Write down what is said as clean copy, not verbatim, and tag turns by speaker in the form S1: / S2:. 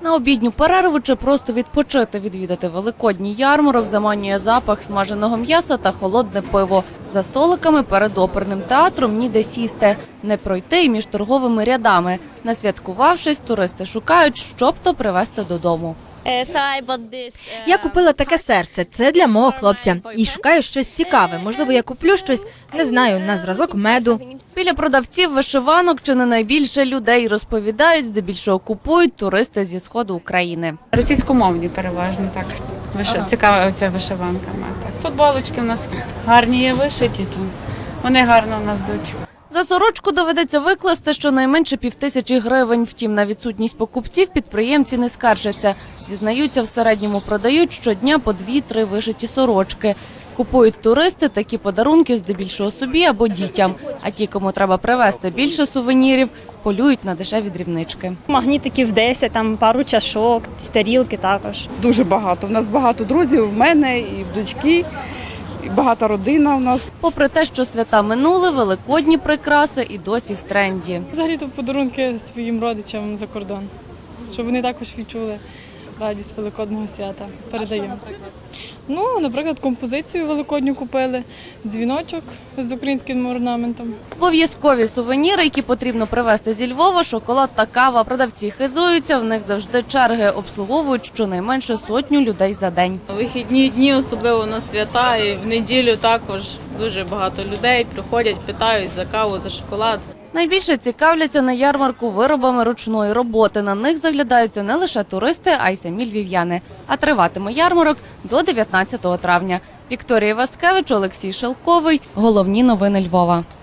S1: На обідню перерву чи просто відпочити, відвідати великодній ярмарок заманює запах смаженого м'яса та холодне пиво. За столиками перед оперним театром ніде сісти, не пройти й між торговими рядами. Насвяткувавшись, туристи шукають, щоб то привезти додому.
S2: Я купила таке серце, це для мого хлопця. І шукаю щось цікаве. Можливо, я куплю щось, не знаю, на зразок меду.
S1: Біля продавців вишиванок чи не найбільше людей розповідають, здебільшого купують туристи зі сходу України.
S3: Російськомовні переважно, так. Цікава ця вишиванками. Так. Футболочки в нас гарні є вишиті, то вони гарно в нас йдуть.
S1: За сорочку доведеться викласти щонайменше 5000 гривень. Втім, на відсутність покупців підприємці не скаржаться. Зізнаються, в середньому продають щодня по 2-3 вишиті сорочки. Купують туристи такі подарунки здебільшого собі або дітям. А ті, кому треба привезти більше сувенірів, полюють на дешеві дрібнички.
S4: Магнітиків 10, там пару чашок, тарілки також.
S5: Дуже багато. У нас багато друзів, в мене і в дочки. І багата родина у нас.
S1: Попри те, що свята минули, великодні прикраси і досі в тренді.
S6: Взагалі-то подарунки своїм родичам за кордон, щоб вони також відчули радість Великодного свята. Передаємо. Ну, наприклад, композицію великодню купили, дзвіночок з українським орнаментом.
S1: Обов'язкові сувеніри, які потрібно привезти зі Львова, шоколад та кава. Продавці хизуються, в них завжди черги, обслуговують щонайменше 100 людей за день.
S7: Вихідні дні, особливо на свята, і в неділю також дуже багато людей приходять, питають за каву, за шоколад.
S1: Найбільше цікавляться на ярмарку виробами ручної роботи. На них заглядаються не лише туристи, а й самі львів'яни. А триватиме ярмарок до 19 травня. Вікторія Васкевич, Олексій Шелковий. Головні новини Львова.